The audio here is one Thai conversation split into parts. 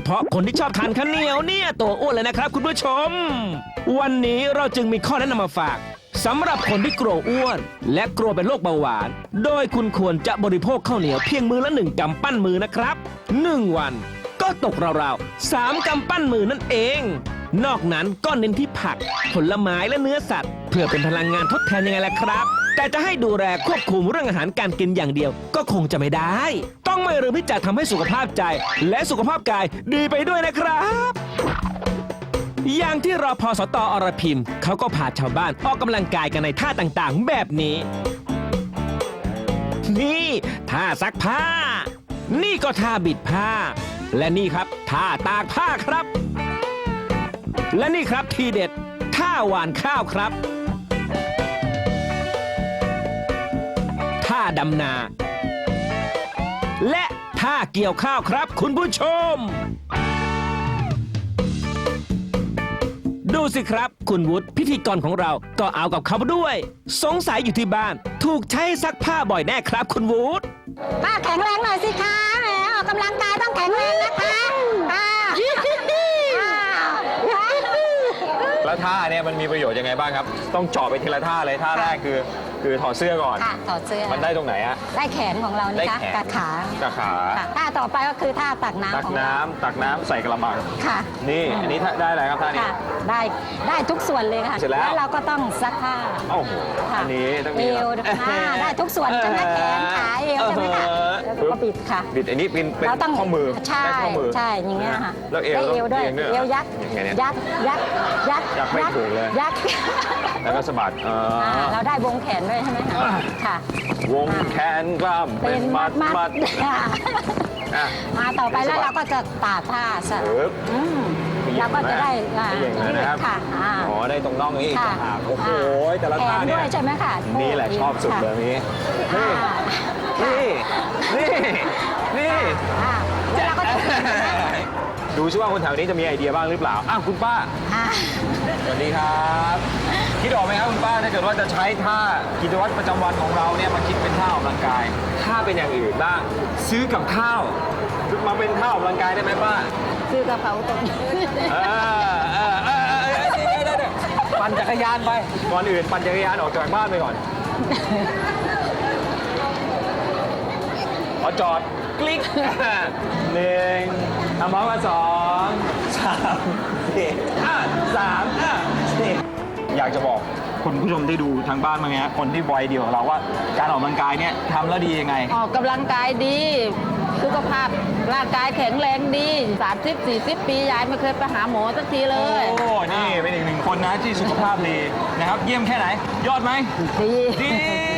พาะคนที่ชอบทานข้าวเหนียวเนี่ยตัวอ้วนเลยนะครับคุณผู้ชม วันนี้เราจึงมีข้อแนะนำมาฝากสำหรับคนที่กลัวอ้วนและกลัวเป็นโรคเบาหวานโดยคุณควรจะบริโภคข้าวเหนียวเพียงมื้อละ1 กำปั้นมือนะครับ1 วันก็ตกราวๆ3 กำปั้นมือนั่นเองนอกนั้นก็เน้นที่ผักผลไม้และเนื้อสัตว์เพื่อเป็นพลังงานทดแทนยังไงล่ะครับแต่จะให้ดูแลควบคุมเรื่องอาหารการกินอย่างเดียวก็คงจะไม่ได้ต้องไม่ลืมที่จะทำให้สุขภาพใจและสุขภาพกายดีไปด้วยนะครับอย่างที่รพสต.อรพิมเขาก็พาชาวบ้านออกกำลังกายกันในท่าต่างๆแบบนี้นี่ท่าซักผ้านี่ก็ท่าบิดผ้าและนี่ครับท่าตากผ้าครับและนี่ครับทีเด็ดท่าหว่านข้าวครับท่าดำนาและท่าเกี่ยวข้าวครับคุณผู้ชมดูสิครับคุณวุฒิพิธีกรของเราก็เอากับเขาด้วยสงสัยอยู่ที่บ้านถูกใช้ซักผ้าบ่อยแน่ครับคุณวุฒิป้าแข็งแรงหน่อยสิคะแหมออกกำลังกายต้องแข็งแรงนะคะแล้วท่าเนี่ยมันมีประโยชน์ยังไงบ้างครับต้องเจาะไปทีละท่าเลยท่าแรกคือถอดเสื้อก่อนค่ะถอดเสื้อมันได้ตรงไหนอะได้แขนของเรานี่คะกับขาท่าต่อไปก็คือท่าตักน้ำของเราตักน้ำใส่กระมังค่ะนี่อันนี้ได้อะไรครับท่านี้ได้ทุกส่วนเลยค่ะแล้วเราก็ต้องซักผ้าโอ้โหอันนี้ต้องมีเอวได้ทุกส่วนจนแขนขาเอวใช่ไหมคะแล้วก็บิดค่ะบิดอันนี้เป็นข้อมือใช่ใช่อย่างเงี้ยค่ะแล้วเอวด้วยเอวยัดไม่ถูกเลยยัดแล้วก็สะบัดเราได้วงแขนด้วยใช่ไหมคะค่ะวงแขนกล้ามเป็นมัดมาต่อไปแล้วเราก็จะตากผ้าใช่เราก็จะได้ค่ะอ๋อได้ตรงน่องนี้อีกต่างหากโอ้โหแต่ละท่าเนี่ยใช่ไหมคะนี่แหละชอบสุดเลยนี้นี่แล้วเราก็จะดูซิว่าคนแถวนี้จะมีไอเดียบ้างหรือเปล่าคุณป้าสวัสดีครับคิดออกไหมครับคุณป้าถ้าเกิดว่าจะใช้ท่ากิจวัตรประจำวันของเราเนี่ยมาคิดเป็นท่าออกกำลังกายถ้าเป็นอย่างอื่นบ้างซื้อกับข้าวมาเป็นท่าออกกำลังกายได้ไหมป้าซื้อกระเพราตรงปั่นจักรยานไปก่อนอื่นปั่นจักรยานออกจากบ้านไปก่อนจอดคลิก1ทำพร้อมกัน2 3 4 3 4อยากจะบอกคุณผู้ชมที่ดูทางบ้านมั้งฮะคนที่วัยเดียวกับเราว่าการออกกำลังกายเนี่ยทำแล้วดียังไงออกกำลังกายดีสุขภาพร่างกายแข็งแรงดี30-40 ปียายไม่เคยไปหาหมอสักทีเลยโอ้นี่เป็นอีก1 คนนะที่สุขภาพดีนะครับเยี่ยมแค่ไหนยอดไหมดี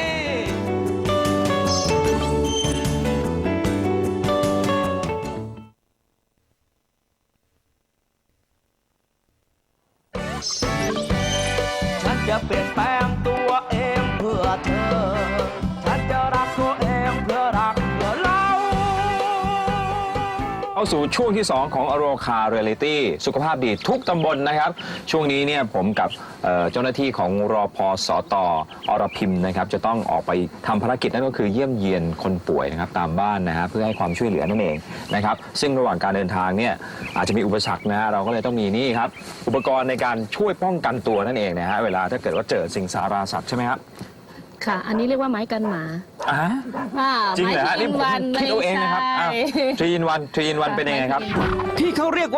ฉันจะเปลี่ยนแปลงตัวเองเพื่อเธอฉันจะรักตัวเองเพื่อรักเพื่อเราเข้าสู่ช่วงที่2ของอโรคาเรียลิตี้สุขภาพดีทุกตำบลนะครับช่วงนี้เนี่ยผมกับเจ้าหน้าที่ของรพสต.อรพิมนะครับจะต้องออกไปทำภารกิจนั่นก็คือเยี่ยมเยียนคนป่วยนะครับตามบ้านนะฮะเพื่อให้ความช่วยเหลือนั่นเองนะครับซึ่งระหว่างการเดินทางเนี่ยอาจจะมีอุปสรรคนะฮะเราก็เลยต้องมีนี่ครับอุปกรณ์ในการช่วยป้องกันตัวนั่นเองนะฮะเวลาถ้าเกิดว่าเจอสิงสาราสัตว์ใช่ไหมครับค่ะอันนี้เรียกว่าไม้กันหมาจริงเหรอฮะนี่ผมคิดเอาเองนะครับทรีอินวันเป็นยังไงครับที่เขาเรียกว่า